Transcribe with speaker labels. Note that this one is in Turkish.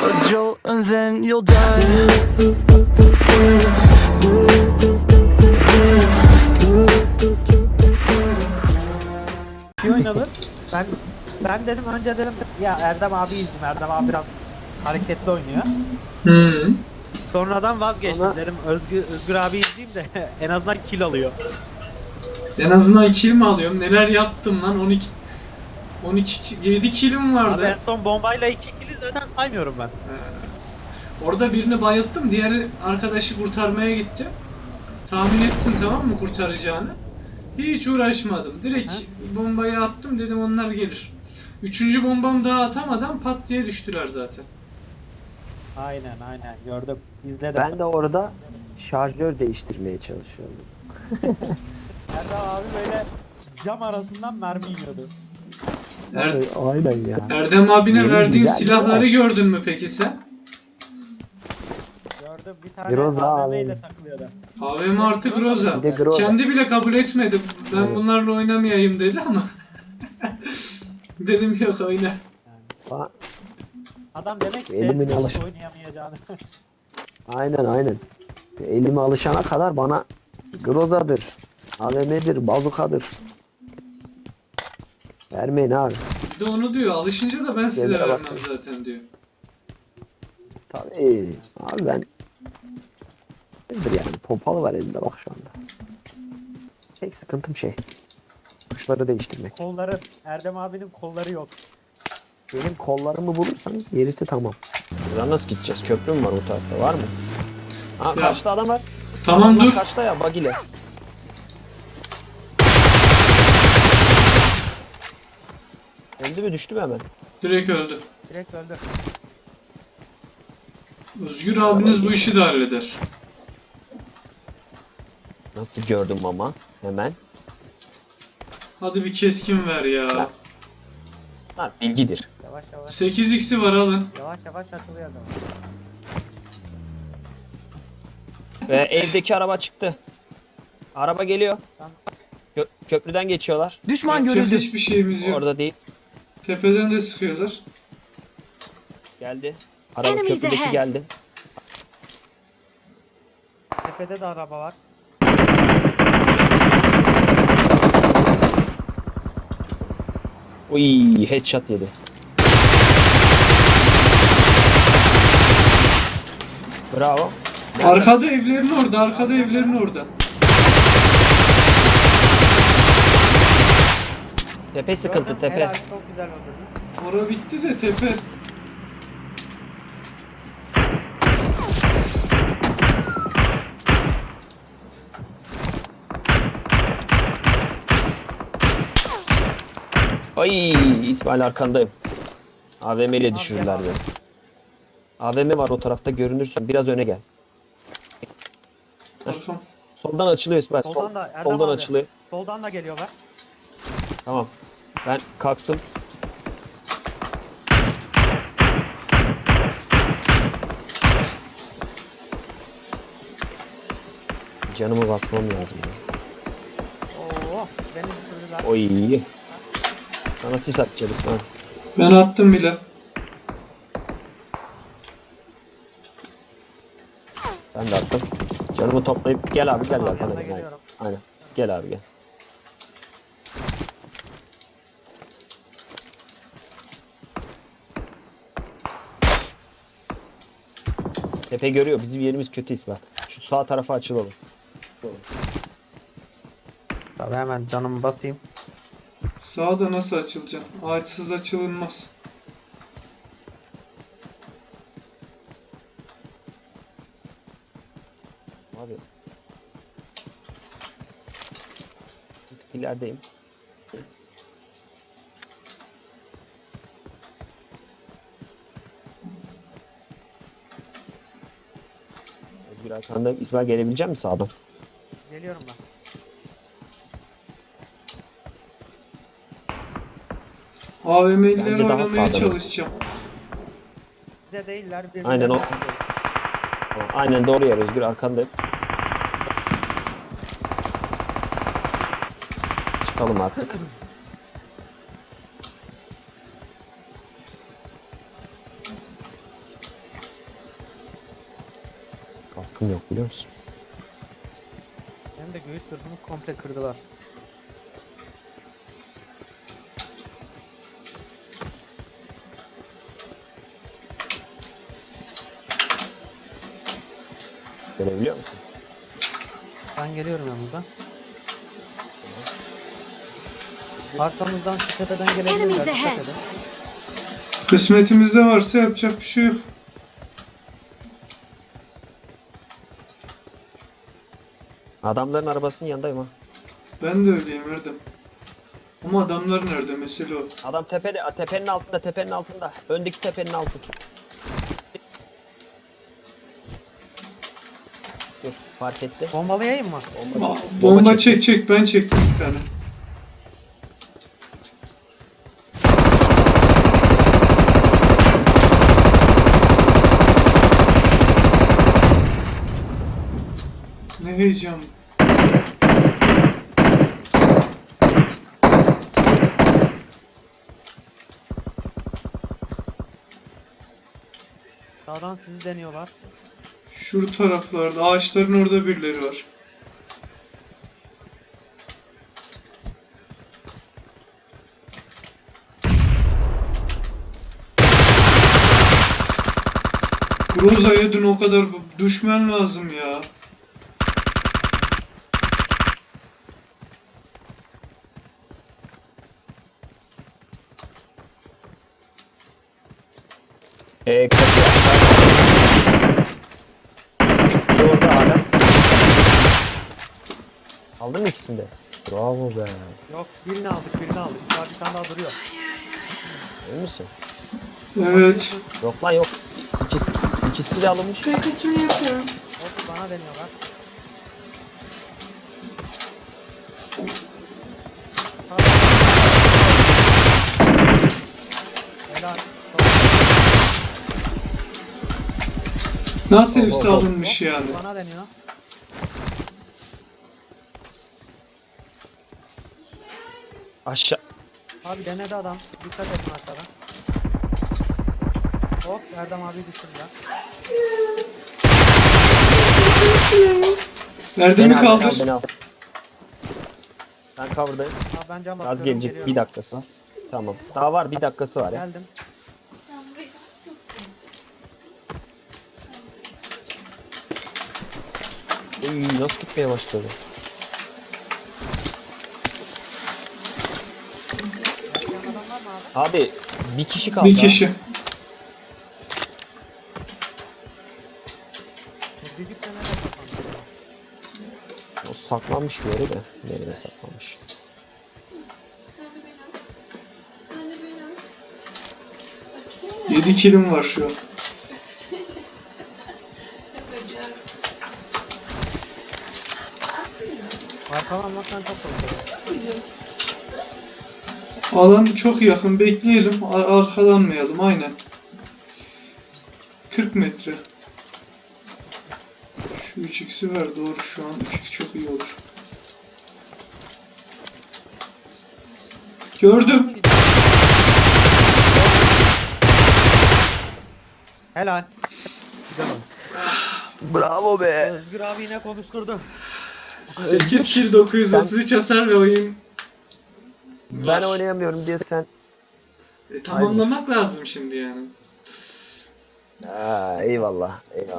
Speaker 1: a jolt and then you'll die.
Speaker 2: İyi oynadın. Ben dedim önce dedim ya Erdem abi izledim. Erdem abi biraz hareketli oynuyor.
Speaker 3: Hı.
Speaker 2: Sonradan vazgeçtim dedim Özgür abi izleyeyim de en azından kill alıyor.
Speaker 3: En azından kill mi alıyorum? Neler yaptım lan? 7 killim
Speaker 2: Abi en
Speaker 3: vardı.
Speaker 2: son bombayla 2 kill'i zaten saymıyorum ben.
Speaker 3: Orada birini bayılttım. Diğeri arkadaşı kurtarmaya gitti. Tahmin ettin tamam mı kurtaracağını? Hiç uğraşmadım. Direkt bombayı attım dedim onlar gelir. Üçüncü bombam daha atamadan pat diye düştüler zaten.
Speaker 2: Aynen gördüm. İzledim.
Speaker 4: Ben de orada şarjör değiştirmeye çalışıyordum.
Speaker 2: Erdem abi böyle cam arasından mermi yiyordu.
Speaker 4: Aynen ya.
Speaker 3: Erdem abine
Speaker 4: Yeni
Speaker 3: verdiğim
Speaker 4: güzel
Speaker 3: silahları
Speaker 4: ya.
Speaker 3: gördün mü peki sen?
Speaker 2: Gördüm bir tane
Speaker 4: Groza
Speaker 2: AVM
Speaker 4: abi.
Speaker 2: ile takılıyordu.
Speaker 3: AVM artı Groza.
Speaker 4: Bir de Groza.
Speaker 3: Kendi bile kabul etmedi. Ben
Speaker 4: Evet.
Speaker 3: bunlarla oynamayayım dedi ama. Dedim yok oyna.
Speaker 4: Aa,
Speaker 2: Adam demek ki
Speaker 4: Elimin
Speaker 2: hiç
Speaker 4: alış-
Speaker 2: oynayamayacağını.
Speaker 4: aynen. Elime alışana kadar bana Groza'dır, AVM'dir, bazukadır. Vermeyin abi.
Speaker 3: Bir de onu diyor. Alışınca da ben size
Speaker 4: Yerlere
Speaker 3: vermem
Speaker 4: bakın.
Speaker 3: zaten diyor.
Speaker 4: Tabii. Abi ben nedir yani pompalı var elimde bak şu anda. Tek sıkıntım tuşları değiştirmek.
Speaker 2: Kolları, Erdem abinin kolları yok.
Speaker 4: Benim kollarımı bulursanız gerisi tamam. Buradan nasıl gideceğiz? Köprü mü var o tarafta? Var mı? Aa,
Speaker 3: Ya.
Speaker 4: karşıda adam var.
Speaker 3: Tamam
Speaker 4: Adamlar
Speaker 3: dur.
Speaker 4: Kaçta ya bagile. Öldü mü düştü mü hemen?
Speaker 3: Direkt öldü.
Speaker 2: Direkt öldü.
Speaker 3: Özgür abiniz bu işi de halleder.
Speaker 4: Nasıl gördüm ama hemen.
Speaker 3: Hadi bir keskin ver ya.
Speaker 4: Ha bilgidir.
Speaker 2: Yavaş yavaş.
Speaker 3: 8x'i var alın.
Speaker 2: Yavaş yavaş açılıyor adam.
Speaker 4: Ve evdeki araba çıktı. Araba geliyor.
Speaker 2: Tamam.
Speaker 4: Köprüden geçiyorlar.
Speaker 1: Düşman
Speaker 3: Yapacak
Speaker 1: görüldü.
Speaker 3: hiçbir şeyimiz yok.
Speaker 4: Orada değil.
Speaker 3: Tepeden de sıkıyorlar.
Speaker 4: Geldi. Araba
Speaker 5: Enemies
Speaker 4: köprüdeki
Speaker 5: ahead.
Speaker 4: geldi.
Speaker 2: Tepede de araba var.
Speaker 4: Uy headshot yedi. Bravo.
Speaker 3: Arkada evlerin orada, arkada evlerin orada.
Speaker 4: Tepe sıkıntı
Speaker 2: Gördüm,
Speaker 4: tepe.
Speaker 2: helal, çok güzel öldürdün.
Speaker 3: Ora bitti de tepe.
Speaker 4: Ay İsmail arkandayım. AVM ile düşürürler beni. AVM var o tarafta görünürsün. Biraz öne gel.
Speaker 3: Arkam.
Speaker 4: Soldan açılıyor İsmail.
Speaker 2: Soldan da Erdem
Speaker 4: soldan
Speaker 2: abi.
Speaker 4: açılıyor.
Speaker 2: Soldan da geliyorlar.
Speaker 4: Tamam. Ben kalktım. Canımı basmam lazım. Ya.
Speaker 2: Oo, beni düşürdüler.
Speaker 4: Oy. Sana sis atacağız İsmail.
Speaker 3: Ben attım bile.
Speaker 4: Ben de attım. Canımı toplayıp gel abi gel
Speaker 2: Tamam,
Speaker 4: gel.
Speaker 2: yanına
Speaker 4: Aynen.
Speaker 2: geliyorum.
Speaker 4: Aynen. Gel abi gel. Tepe görüyor. Bizim yerimiz kötü İsmail. Şu sağ tarafa açılalım.
Speaker 2: Tabii hemen canımı basayım.
Speaker 3: Sağda nasıl açılacak? Ağaçsız açılınmaz.
Speaker 4: Abi. Bir tık ilerideyim. Özgür arkanda İsmail gelebilecek misin sağdan?
Speaker 2: Geliyorum ben.
Speaker 3: AVM'lileri
Speaker 4: Bence daha
Speaker 3: oynamaya
Speaker 4: sağda.
Speaker 3: çalışacağım.
Speaker 2: Bize değiller. birbirlerine
Speaker 4: Aynen o.
Speaker 2: bakıyor.
Speaker 4: Aynen doğru yer Özgür arkandayım. Çıkalım artık. Kaskım yok biliyor musun?
Speaker 2: Hem de göğüs sırtımı komple kırdılar.
Speaker 4: Görebiliyor musun?
Speaker 2: Ben geliyorum yanınıza. Arkamızdan şu tepeden gelebilirler.
Speaker 5: Enemies
Speaker 2: Dikkat
Speaker 5: ahead.
Speaker 2: edin.
Speaker 3: Kısmetimizde varsa yapacak bir şey yok.
Speaker 4: Adamların arabasının yanındayım ha.
Speaker 3: Ben de öyleyim Erdem. Ama adamlar nerede mesele o.
Speaker 4: Adam tepede, tepenin altında, tepenin altında. Öndeki tepenin altı. Dur, fark etti.
Speaker 2: Bombalayayım mı?
Speaker 3: Bomba çek ben çektim bir tane. Ne heyecan.
Speaker 2: Sağdan sizi deniyorlar.
Speaker 3: Şu taraflarda ağaçların orada birileri var. Groza'ya dün o kadar düşman lazım ya.
Speaker 4: Kaçıyor. Orada hala. Aldın mı ikisini de? Bravo be.
Speaker 2: Yok birini aldık birini aldık. Daha bir tane daha duruyor.
Speaker 4: Emin misin?
Speaker 3: Evet.
Speaker 4: Yok lan yok. İkisi de alınmış.
Speaker 2: Hop bana deniyorlar. Helal.
Speaker 3: Nasıl
Speaker 4: Hop,
Speaker 3: hepsi
Speaker 4: hop, hop.
Speaker 3: alınmış yani?
Speaker 2: Bana deniyor.
Speaker 4: Aşağı.
Speaker 2: Abi denedi adam. Dikkat edin aşağıdan. Hop Erdem abi düşürdüler.
Speaker 3: Erdem'i
Speaker 4: Beni al,
Speaker 3: kaldır.
Speaker 4: beni al. Ben cover'dayım.
Speaker 2: Abi ben cam
Speaker 4: Az
Speaker 2: basıyorum
Speaker 4: gelecek.
Speaker 2: geliyorum.
Speaker 4: Bir dakikası var. Tamam. Daha var. Bir dakikası var ya.
Speaker 2: Geldim.
Speaker 4: Uy, nasıl gitmeye başladı?
Speaker 2: Yaşayan adam var mı abi?
Speaker 4: Abi bir kişi kaldı.
Speaker 3: Bir
Speaker 4: ha.
Speaker 3: kişi.
Speaker 2: Bu düdük de nerede saklandı?
Speaker 4: O saklanmış bir yere de. Nereye saklanmış?
Speaker 3: Yedi kilim var şu an.
Speaker 2: Arkalanmaktan çok korkuyorum.
Speaker 3: Alan çok yakın. Bekleyelim. Arkalanmayalım. Aynen. 40 metre. Şu 3x'i ver. Doğru şu an. 3x çok iyi olur. Gördüm.
Speaker 2: Helal. Güzel oldu.
Speaker 4: Bravo be.
Speaker 2: Özgür abi yine konuşturdu.
Speaker 3: 8 kill 933 hasar ve oyun.
Speaker 4: Ben oynayamıyorum diye sen.
Speaker 3: Tamamlamak lazım şimdi yani.
Speaker 4: Eyvallah. Eyvallah.